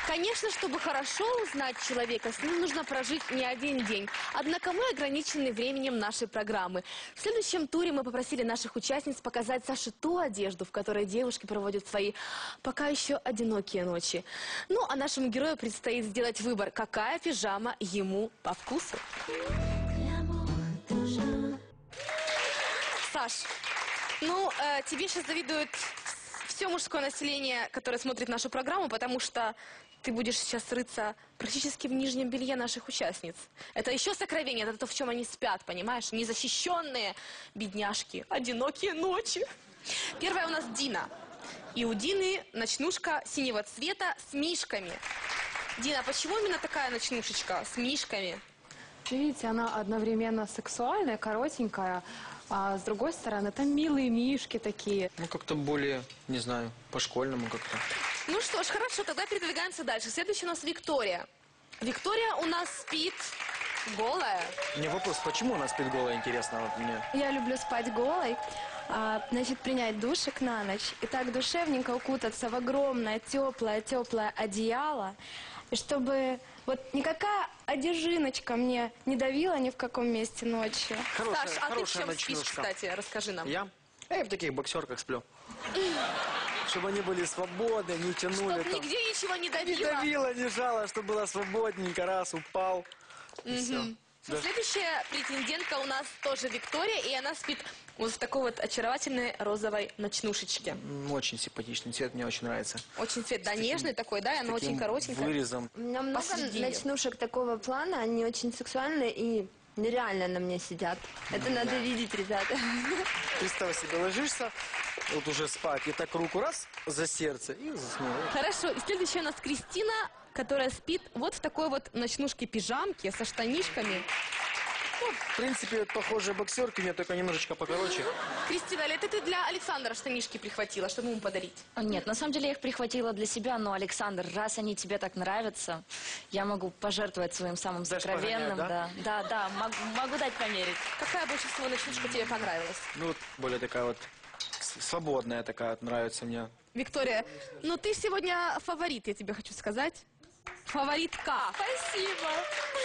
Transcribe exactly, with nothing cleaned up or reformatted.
Конечно, чтобы хорошо узнать человека, с ним нужно прожить не один день. Однако мы ограничены временем нашей программы. В следующем туре мы попросили наших участниц показать Саше ту одежду, в которой девушки проводят свои пока еще одинокие ночи. Ну, а нашему герою предстоит сделать выбор, какая пижама ему по вкусу. Саш, ну, э, тебе сейчас завидует все мужское население, которое смотрит нашу программу, потому что ты будешь сейчас рыться практически в нижнем белье наших участниц. Это еще сокровение, это то, в чем они спят, понимаешь? Незащищенные бедняжки, одинокие ночи. Первая у нас Дина. И у Дины ночнушка синего цвета с мишками. Дина, почему именно такая ночнушечка с мишками? Видите, она одновременно сексуальная, коротенькая, а с другой стороны, там милые мишки такие. Ну, как-то более, не знаю, по-школьному как-то. Ну что ж, хорошо, тогда передвигаемся дальше. Следующая у нас Виктория. Виктория у нас спит голая. Мне вопрос, почему она спит голая, интересно вот мне? Я люблю спать голой, а, значит, принять душик на ночь и так душевненько укутаться в огромное теплое-теплое одеяло, и чтобы вот никакая одежиночка мне не давила ни в каком месте ночью. Хорошая, Саш, а ты в чем ночнушка. спишь, кстати? Расскажи нам. Я? Я в таких боксерках сплю. Чтобы они были свободны, не тянули. Чтоб нигде ничего не давило. Не давило, не жало, чтобы было свободненько, раз, упал. И все. Да. Следующая претендентка у нас тоже Виктория, и она спит вот в такой вот очаровательной розовой ночнушечке. Очень симпатичный цвет, мне очень нравится. Очень цвет, да, нежный такой, да, и она очень коротенькая. Вырезом. У меня много Посередине. ночнушек такого плана, они очень сексуальные и нереально на мне сидят. Это надо видеть, ребята. Представь себе, ложишься, вот уже спать, и так руку раз за сердце и заснул. Хорошо, и следующая у нас Кристина, которая спит вот в такой вот ночнушке-пижамке со штанишками. Ну, в принципе, похожие боксерки, мне только немножечко покороче. Кристина, это ты для Александра штанишки прихватила, чтобы ему подарить? Нет, на самом деле я их прихватила для себя, но, Александр, раз они тебе так нравятся, я могу пожертвовать своим самым Дашь сокровенным. погонять, да? Да, да, могу, могу дать померить. Какая больше всего ночнушка тебе понравилась? Ну, вот более такая вот с- свободная такая вот нравится мне. Виктория, ну ты сегодня фаворит, я тебе хочу сказать. Фаворитка. Спасибо.